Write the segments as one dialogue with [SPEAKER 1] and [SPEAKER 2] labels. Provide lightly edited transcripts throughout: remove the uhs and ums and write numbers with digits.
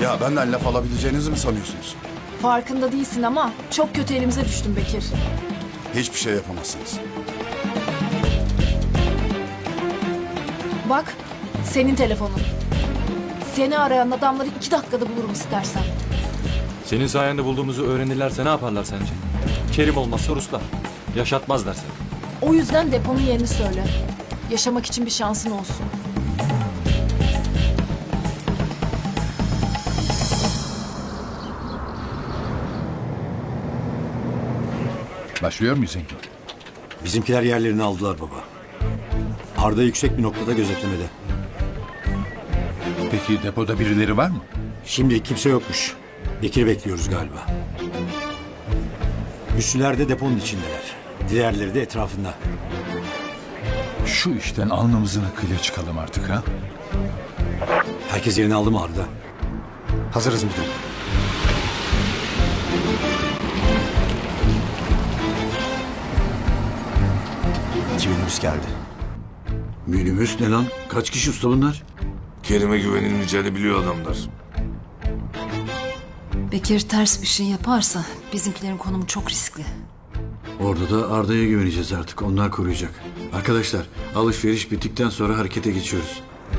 [SPEAKER 1] Ya benden laf alabileceğinizi mi sanıyorsunuz?
[SPEAKER 2] Farkında değilsin ama çok kötü elimize düştün Bekir.
[SPEAKER 1] Hiçbir şey yapamazsınız.
[SPEAKER 2] Bak, senin telefonun. Seni arayan adamları 2 dakikada bulurum istersen.
[SPEAKER 3] Senin sayende bulduğumuzu öğrenirlerse ne yaparlar sence? Kerim olmazsa Ruslar. Yaşatmazlar seni.
[SPEAKER 2] O yüzden deponun yerini söyle. Yaşamak için bir şansın olsun.
[SPEAKER 4] Başlıyor muyuz Engin?
[SPEAKER 5] Bizimkiler yerlerini aldılar baba. Arda yüksek bir noktada gözetlemede.
[SPEAKER 4] Peki depoda birileri var mı?
[SPEAKER 5] Şimdilik kimse yokmuş. Bekir'i bekliyoruz galiba. Üssüler de deponun içindeler. Diğerleri de etrafında.
[SPEAKER 4] Şu işten alnımızın akıyla çıkalım artık ha.
[SPEAKER 5] Herkes yerini aldı mı Arda? Hazırız müdürüm.
[SPEAKER 6] İki minibüs geldi.
[SPEAKER 5] Minibüs ne lan? Kaç kişi usta bunlar?
[SPEAKER 7] Kerim'e güvenilmeyeceğini biliyor adamlar.
[SPEAKER 8] Bekir ters bir şey yaparsa bizimkilerin konumu çok riskli.
[SPEAKER 9] Orada da Arda'ya güveneceğiz artık. Onlar koruyacak. Arkadaşlar, alışveriş bittikten sonra harekete geçiyoruz.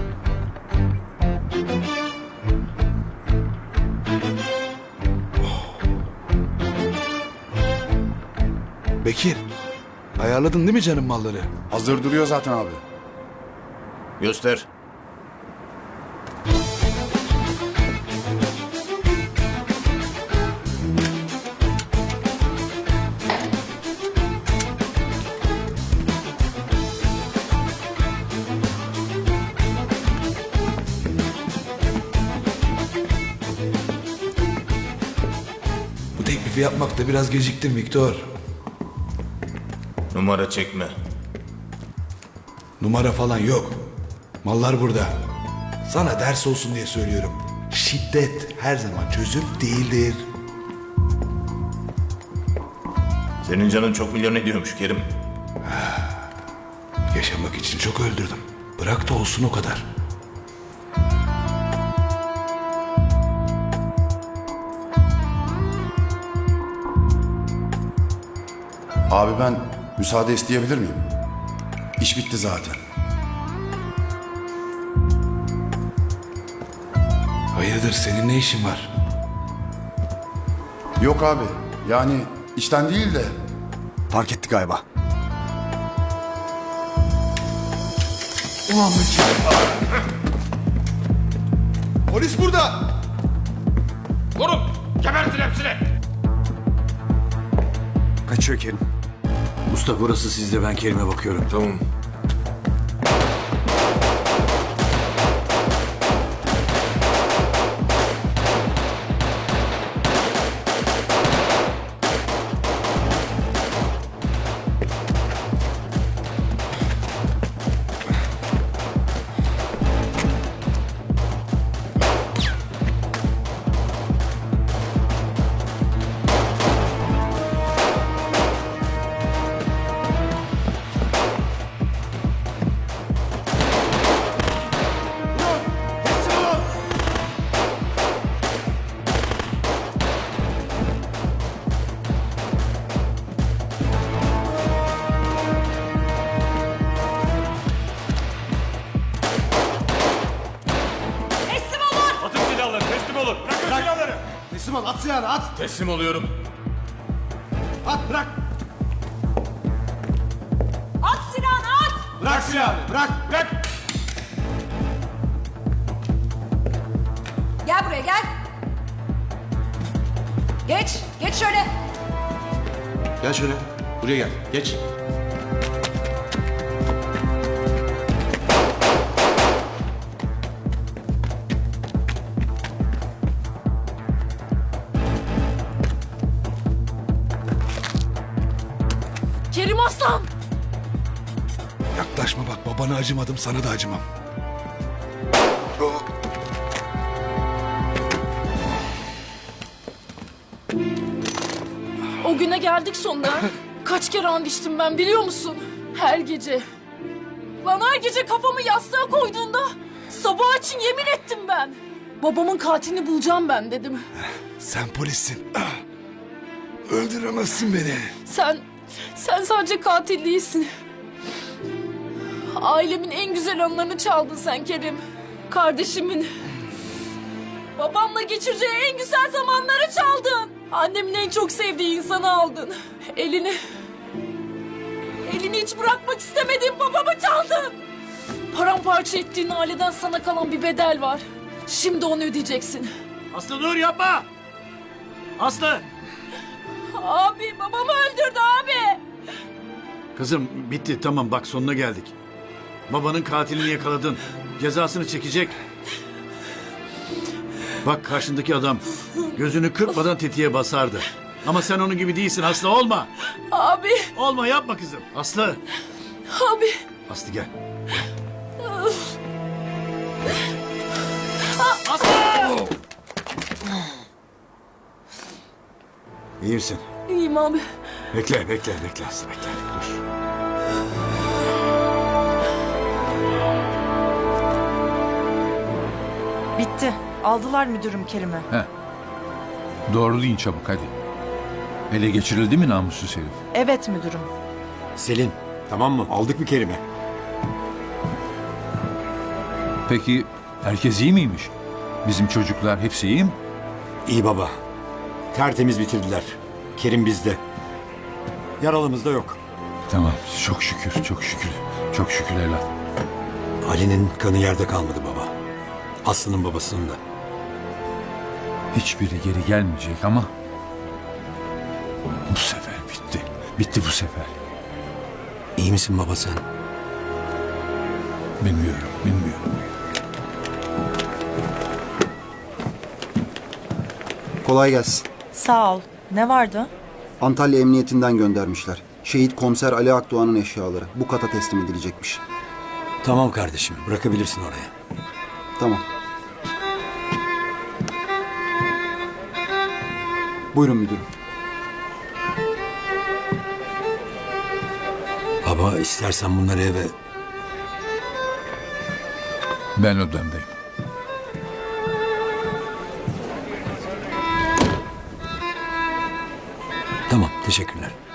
[SPEAKER 6] Bekir, ayarladın değil mi canım malları?
[SPEAKER 1] Hazır duruyor zaten abi.
[SPEAKER 6] Göster. Bu teklifi yapmakta biraz geciktim Viktor.
[SPEAKER 7] Numara çekme.
[SPEAKER 6] Numara falan yok. Mallar burada. Sana ders olsun diye söylüyorum. Şiddet her zaman çözüm değildir.
[SPEAKER 7] Senin canın çok milyon ediyormuş Kerim.
[SPEAKER 6] Yaşamak için çok öldürdüm. Bırak da olsun o kadar.
[SPEAKER 1] Abi ben müsaade isteyebilir miyim? İş bitti zaten.
[SPEAKER 6] Hayırdır, senin ne işin var?
[SPEAKER 1] Yok abi. Yani işten değil de
[SPEAKER 5] Fark etti galiba.
[SPEAKER 6] Ulan Bekir. Polis burada.
[SPEAKER 5] Kaçıyor Kerim.
[SPEAKER 9] Usta burası sizde, ben Kerim'e bakıyorum.
[SPEAKER 7] Tamam.
[SPEAKER 3] Atın silahları, teslim olun. Bırakın silahları.
[SPEAKER 6] Teslim ol, at silahını, at.
[SPEAKER 3] Teslim oluyorum.
[SPEAKER 6] At, bırak.
[SPEAKER 2] At silahını at!
[SPEAKER 6] Bırak silahını, bırak.
[SPEAKER 3] Bırak.
[SPEAKER 8] Gel buraya gel. Geç, geç şöyle.
[SPEAKER 6] Gel şöyle, buraya gel, geç.
[SPEAKER 2] Kerim Aslan!
[SPEAKER 6] Yaklaşma bak, babana acımadım, sana da acımam.
[SPEAKER 2] O güne geldik sonunda. Kaç kere and içtim ben biliyor musun? Her gece. Lan her gece kafamı yastığa koyduğunda sabah için yemin ettim ben. Babamın katilini bulacağım ben dedim.
[SPEAKER 6] Sen polissin. Öldüremezsin beni.
[SPEAKER 2] Sen sadece katil değilsin. Ailemin en güzel anlarını çaldın sen Kerim. Kardeşimin. Babamla geçireceği en güzel zamanları çaldın. Annemin en çok sevdiği insanı aldın. Elini hiç bırakmak istemediğin babamı çaldın. Paramparça ettiğin aileden sana kalan bir bedel var. Şimdi onu ödeyeceksin.
[SPEAKER 9] Aslı dur yapma! Aslı!
[SPEAKER 2] Abi babamı öldürdü abi.
[SPEAKER 9] Kızım bitti tamam bak sonuna geldik. Babanın katilini yakaladın. Cezasını çekecek. Bak karşındaki adam gözünü kırpmadan tetiğe basardı. Ama sen onun gibi değilsin Aslı olma.
[SPEAKER 2] Abi,
[SPEAKER 9] Olma yapma kızım. Aslı.
[SPEAKER 2] abi.
[SPEAKER 9] Aslı gel. Aslı! İyi misin?
[SPEAKER 2] İyiyim abi.
[SPEAKER 9] Bekle Aslı bekle. Dur.
[SPEAKER 10] Bitti. Aldılar müdürüm Kerim'i.
[SPEAKER 4] Doğru deyin çabuk hadi. Ele geçirildi mi namussuz herif?
[SPEAKER 10] Evet müdürüm.
[SPEAKER 5] Selin, tamam mı? Aldık mı Kerim'i?
[SPEAKER 4] Peki herkes iyi miymiş? Bizim çocuklar hepsi iyi mi?
[SPEAKER 5] İyi baba. Tertemiz bitirdiler. Kerim bizde. Yaralımız da yok.
[SPEAKER 4] Tamam çok şükür. Çok şükür evlat.
[SPEAKER 5] Ali'nin kanı yerde kalmadı baba. Aslı'nın babasının da.
[SPEAKER 4] Hiçbiri geri gelmeyecek ama bu sefer bitti. Bitti bu sefer.
[SPEAKER 5] İyi misin baba sen?
[SPEAKER 4] Bilmiyorum.
[SPEAKER 11] Kolay gelsin.
[SPEAKER 10] Sağ ol. Ne vardı?
[SPEAKER 11] Antalya Emniyetinden göndermişler. Şehit komiser Ali Akdoğan'ın eşyaları. Bu kata teslim edilecekmiş.
[SPEAKER 5] Tamam kardeşim. Bırakabilirsin oraya.
[SPEAKER 11] Tamam. Buyurun müdürüm.
[SPEAKER 5] Baba istersen bunları eve...
[SPEAKER 4] Ben odamdayım.
[SPEAKER 5] Tamam teşekkürler.